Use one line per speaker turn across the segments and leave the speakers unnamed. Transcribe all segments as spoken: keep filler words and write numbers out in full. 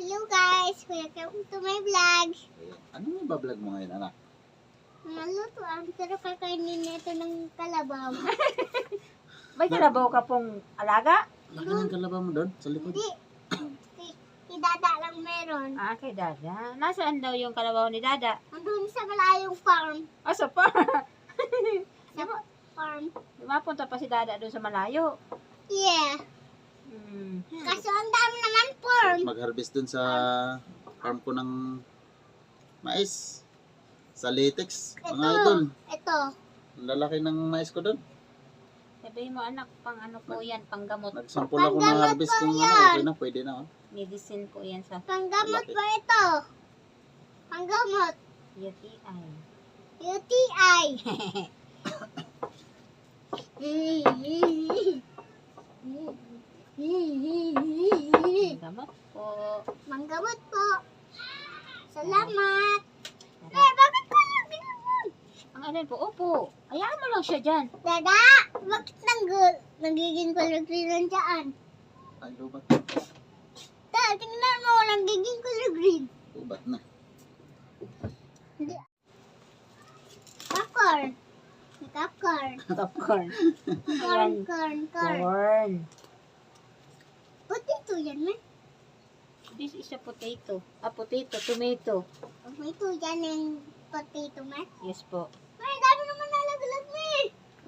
Hello guys, welcome to my vlog.
Ayan. Anong ibablog mo ngayon, anak?
Maluto ang sarap kakainin nito ng kalabaw.
May kalabaw ka pong alaga?
Laki ng kalabaw mo doon, sa likod.
Hindi, si, si Dada lang meron.
Ah, kay Dada. Nasaan daw yung kalabaw ni Dada?
Andun sa malayong farm.
Ah, sa farm.
Sa farm.
Mapunta pa si Dada doon sa malayo.
Yeah.
Hmm.
Kaso ang dami naman farm.
Mag-harvest doon sa farm ko ng mais. Sa latex, mga
Ito.
idol.
Ito.
Ang lalaki ng mais ko doon.
Sabihin mo anak, pang ano po yan, pang gamot.
Nagsampol ako ng
Panggamot
harvest
po
kung ano,
yan.
okay na, pwede na. Oh.
Medicine po yan sa
Panggamot
Malaki.
ba ito? Panggamot.
U T I.
U T I.
Gamot po.
Manggamot po. Salamat. Eh, bakit ko yung ginamon?
Ang alin po, opo. Hayaan mo lang siya dyan.
Dada, bakit nanggul? Nagiging color green lang dyan.
Ay, lubat.
Da, tingnan mo, nagiging color green.
Lubat na.
Hindi. Popcorn. Popcorn.
Popcorn.
Corn,
Ayan.
corn, corn.
Corn.
Potato yan, man.
This is a potato. A potato, tomato.
Ito yan yung potato, man.
Yes po.
May, dami naman nalaglag, may.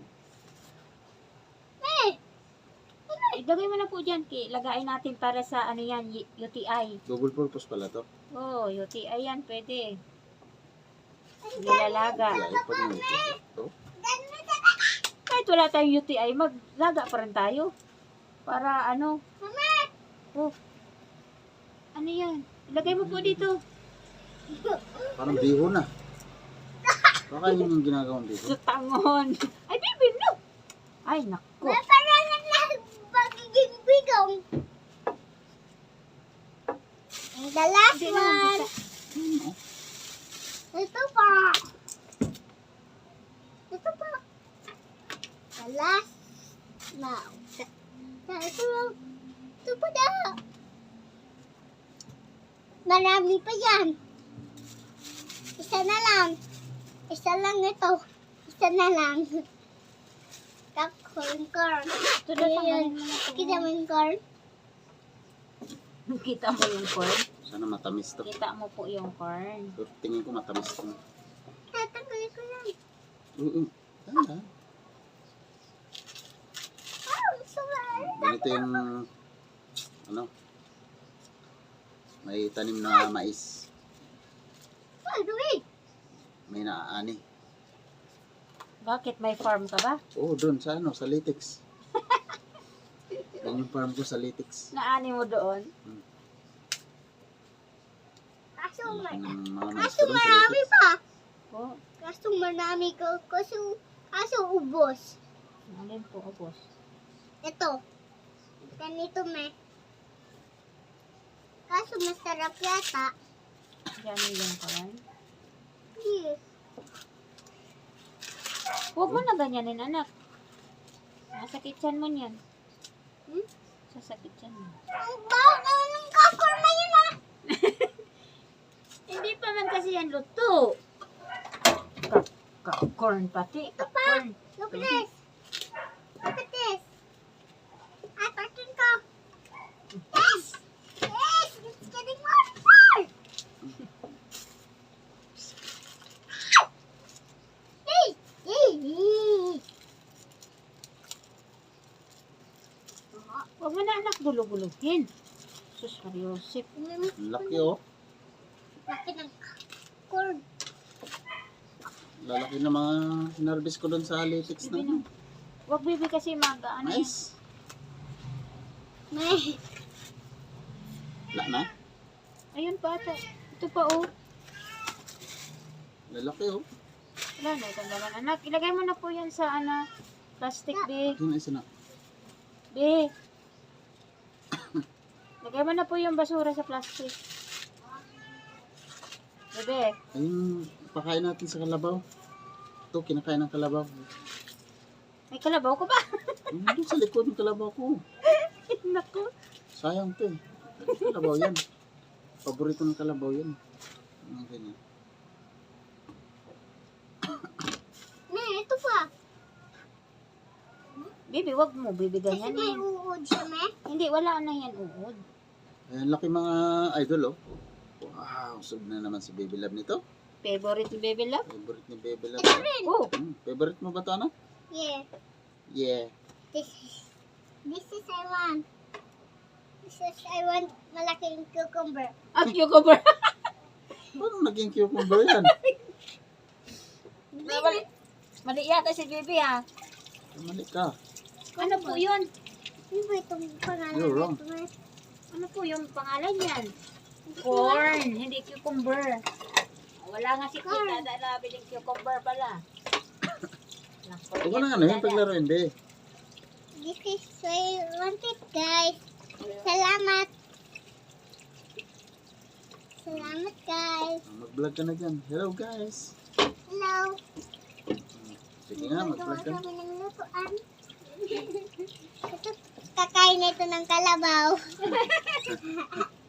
May.
Ilagay mo na po dyan. Ki. Lagayin natin para sa ano yan, y- U T I.
Double purpose pala to.
Oh, U T I yan, pwede.
Ang
Nilalaga.
Kaya pag mo ito.
dami na dada.
Kahit wala tayong U T I, maglaga pa rin tayo. Para ano,
Mama.
oh, ano yan? Ilagay mo po dito.
Parang biho na. Baka yun yung ginagawang biho.
Sa tangon. Ay, baby, no! Ay, naku.
May parang na magiging bigong. And the last
Hindi na,
one.
bisa.
Ito pa. Ito pa. The last. Now. Ito. Ito pa daw. Marami pa yan. Isa na lang. Isa lang ito. Isa na lang. Popcorn corn.
Ito na, tanggalin
Ayan.
mo na ito.
Kita mo yung corn?
Kita mo yung corn?
Sana matamis to.
Kita mo po yung corn.
So, tingin ko matamis to.
Tatanggalin ko lang.
Oo. Tanda.
Oh, sorry.
Ganito yung ano may tanim na mais.
Oh, wait.
May naaani.
Bakit? May farm ka ba?
Oo, doon sa ano, sa latex. Yan yung farm ko sa latex.
Naani mo doon?
Kaso,
Laki
ma-
ng mga mais
kaso
ko doon sa
marami
latex.
pa.
Po.
Kaso marami ko. Kaso, kaso ubos.
Alin po, boss?
Ito. Ganito, me. Kaso masarap yata.
Yan yung corn.
Yes.
Huwag mo na ganyanin, anak. Masakit yan mo niyan.
Hmm?
Sasakit yan mo.
Ang baho na ng kakorma yun, ah.
Hindi pa man kasi yan luto. Ka- ka- corn pati.
Ito pa.
Corn.
Look at this. Look at this. Ah, takin ko. Yes! Yes! It's getting more and more! Hey! Hey! Hey!
Huwag mo na anak gulog-gulugin. Sus, Mariosip.
Ang laki oh.
Laki ng cord.
Lalaki na mga hinarvest ko doon sa latex
Bibi
na.
na. Huwag bibi kasi mag ano yan.
Nice.
May.
Wala na.
Ayun pa ata. Ito pa oh.
Lalaki oh.
Wala na itong laman. Anak, ilagay mo na po yan sa ano, plastic bag.
Yun isa na.
Be. Lagay mo na po yung basura sa plastic. Bebe.
Ayun, pakain natin sa kalabaw. Ito, kinakain ng kalabaw.
May kalabaw ko ba?
Yung doon sa likod ng kalabaw ko.
Naku.
Sayang to eh. Kalabaw yan. Paborito ng kalabaw yan. Mga ganyan.
Ne, ito pa.
Baby, wag mo. Baby,
Kasi
ganyan
may
eh.
uod siya, me.
Hindi, wala na yan uod.
Ayan, laki mga idol, oh. Wow, sub na naman si Baby Love nito.
Favorite ni Baby Love?
Favorite ni Baby Love.
Ito rin.
Oh,
Hmm, favorite mo ba ito, ano?
Yeah.
Yeah.
This is, this is I want. This is I want malaking cucumber.
at cucumber.
Paano naging cucumber yan?
mali, mali yata si Baby ha.
Mali ka.
Ano po yun?
Ano ba itong pangalan
You're wrong.
nito, me?
Ano po yung pangalan yan? Corn, hindi cucumber. Wala nga si
Corn.
Tita na nabiling cucumber pala. Naku,
Huwag mo
yan
na
si
ano, yung
Dada.
paglaruin, be.
This is I want it, guys. Salamat. Salamat, guys.
Ah, Mag-vlog ka na dyan. Hello, guys.
Hello.
Sige nga,
Magawa
mag-vlog ka.
kami ng lutuan. Ito, kakain na ito ng kalabaw.